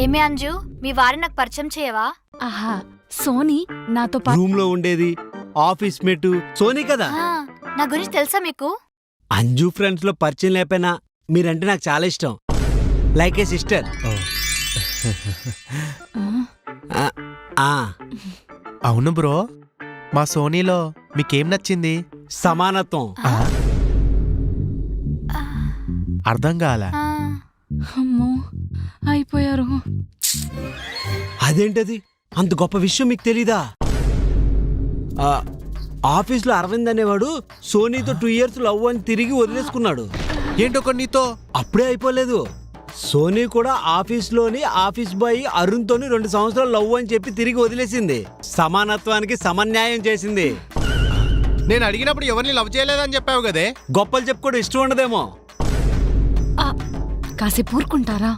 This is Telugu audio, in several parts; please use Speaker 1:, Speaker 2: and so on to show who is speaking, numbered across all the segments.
Speaker 1: ఏమి అంజు, మీ వారిని నాకు పరిచయం చేయవా?
Speaker 2: ఆహా, సోనీ నాతో
Speaker 3: రూమ్ లో ఉండేది ఆఫీస్ మేట్ సోనీ కదా.
Speaker 1: నా గురించి తెలుసా మీకు?
Speaker 3: అంజు ఫ్రెండ్స్ లో పరిచయం లేకపోయినా మీరంటే నాకు చాలా ఇష్టం. Like a sister.
Speaker 4: అవును బ్రో, మా సోనీలో మీకేం నచ్చింది?
Speaker 3: సమానత్వం.
Speaker 4: అర్థం కాల.
Speaker 2: అమ్మో అయిపోయారు.
Speaker 3: అదేంటది, అంత గొప్ప విషయం మీకు తెలీదా? ఆఫీస్లో అరవింద్ అనేవాడు సోనీతో 2 years లవ్ అని తిరిగి వదిలేసుకున్నాడు.
Speaker 4: ఏంటొక నీతో?
Speaker 3: అప్పుడే అయిపోలేదు. సోనీ కూడా ఆఫీస్లోని ఆఫీస్ బాయ్ అరుణ్ తోని 2 సంవత్సరాలు లవ్ అని చెప్పి తిరిగి వదిలేసింది. సమానత్వానికి సమన్యాయం చేసింది.
Speaker 4: నేను అడిగినప్పుడు ఎవరిని లవ్ చేయలేదని చెప్పావు కదే.
Speaker 3: గొప్పలు చెప్పుకోవడం ఇష్టం ఉండదేమో.
Speaker 2: కాసేపు ఊరుకుంటారా?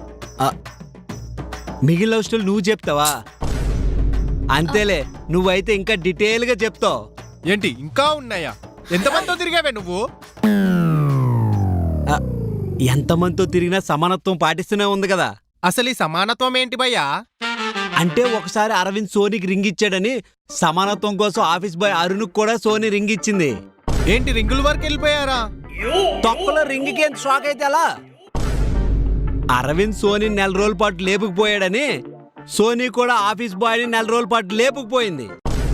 Speaker 3: మిగిలిన లవ్ స్టోరీ నువ్వు చెప్తావా? అంతేలే, నువ్వైతే ఇంకా డీటెయిల్ గా చెప్తావు.
Speaker 4: ఏంటి ఇంకా ఉన్నాయా? ఎంతమందితో తిరిగావే నువ్వు?
Speaker 3: ఎంతమందితో తిరిగినా సమానత్వం పాటిస్తూనే ఉంది కదా.
Speaker 4: అసలు ఈ సమానత్వం ఏంటి భయ్యా?
Speaker 3: అంటే ఒకసారి అరవింద్ సోనీకి రింగ్ ఇచ్చాడని సమానత్వం కోసం ఆఫీస్ బాయ్ అరుణ్ కూడా సోనీ రింగ్ ఇచ్చింది.
Speaker 4: ఏంటి రింగుల వరకు వెళ్ళిపోయారా?
Speaker 3: తొక్కలో రింగ్కి ఎంత షాక్ అయితే అలా. అరవింద్ సోనీ 4 రోజుల పాటు లేపుకుపోయాడని సోనీ కూడా ఆఫీస్ బాయ్ని 4 రోజుల పాటు లేపుకుపోయింది.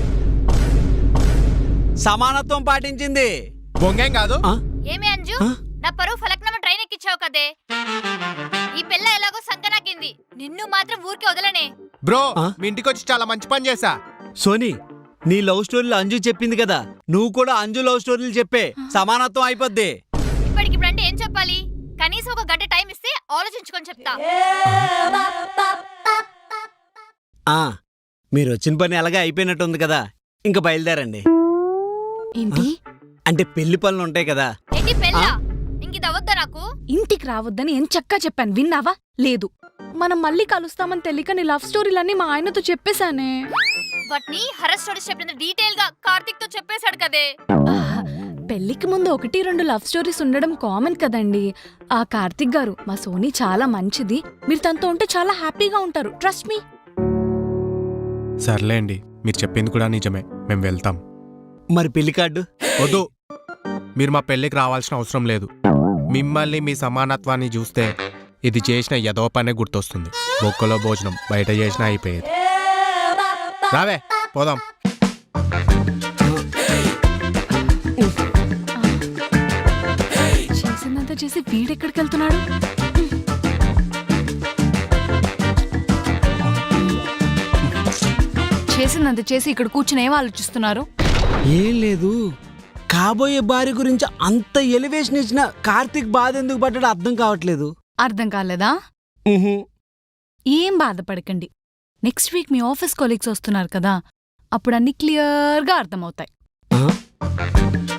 Speaker 3: సమానత్వం పాటించింది.
Speaker 4: బొంగేం కాదు.
Speaker 1: ఏమి అంజు, నా పరువు ఫలక్నామా ట్రైన్ ఎక్కించావు కదే. ఈ పిల్ల ఎలాగో సంకనాకింది, నిన్ను మాత్రం ఊరికి వదలనే.
Speaker 4: బ్రో, మీ ఇంటికి వచ్చి చాలా మంచి పని చేశా.
Speaker 3: సోనీ, నీ లవ్ స్టోరీలు అంజు చెప్పింది కదా, నువ్వు కూడా అంజు లవ్ స్టోరీలు చెప్పే. సమానత్వం అయిపోద్ది.
Speaker 1: ఇప్పటికిప్పుడంటే ఏం చెప్పాలి? కనీసం ఒక గంట టైం ఇస్తే ఆలోచించుకొని చెప్తా.
Speaker 3: మీరు వచ్చిన పని అలాగే అయిపోయినట్టుంది కదా, ఇంకా బయలుదేరండి.
Speaker 2: ఏంటి?
Speaker 3: అంటే పెళ్లి పనులు ఉంటాయి కదా.
Speaker 1: ఏంటి పెళ్ళా? ఇంకిది అవద్దా నాకు?
Speaker 2: ఇంటికి రావద్దని ఎంచక్కా చెప్పాను, విన్నావా? లేదు. మనం మళ్ళీ కలుస్తామని తెలియక నీ లవ్ స్టోరీలన్నీ మా ఆయనతో చెప్పేశానే.
Speaker 1: వాటిని హరస్ స్టోరీస్ చెప్పిన డీటెయిల్ గా కార్తిక్ తో చెప్పేశాడు కదే.
Speaker 2: పెళ్లికి ముందు 1-2 లవ్ స్టోరీస్ ఉండడం కామన్ కదండి. ఆ కార్తిక్ గారు, మా సోనీ చాలా మంచిది, మీరు తనతో ఉంటే చాలా హ్యాపీగా ఉంటారు, ట్రస్ట్ మీ.
Speaker 4: సర్లేండి, మీరు చెప్పింది కూడా నిజమే, మేము వెళ్తాం.
Speaker 3: మరి పెళ్లి కార్డు
Speaker 4: వద్దు, మీరు మా పెళ్ళికి రావాల్సిన అవసరం లేదు. మిమ్మల్ని మీ సమానత్వాన్ని చూస్తే ఇది చేసిన ఎదో పనే గుర్తొస్తుంది. బొక్కలో భోజనం బయట చేసినా అయిపోయేది. రావే పోదాం.
Speaker 2: చేసిందంతా చేసి వీడెక్కడికి వెళ్తున్నాడు? చేసిందంత చేసి ఇక్కడ కూర్చుని ఏం ఆలోచిస్తున్నారు?
Speaker 3: ఏం లేదు, కాబోయే భార్య గురించి అంత ఎలివేషన్ ఇచ్చిన కార్తిక్ బాధ ఎందుకు పడ్డాడో అర్థం కావట్లేదు.
Speaker 2: అర్థం కాలేదా? ఏం బాధపడకండి, నెక్స్ట్ వీక్ మీ ఆఫీస్ కొలీగ్స్ వస్తున్నారు కదా, అప్పుడు అన్ని క్లియర్గా అర్థమవుతాయి.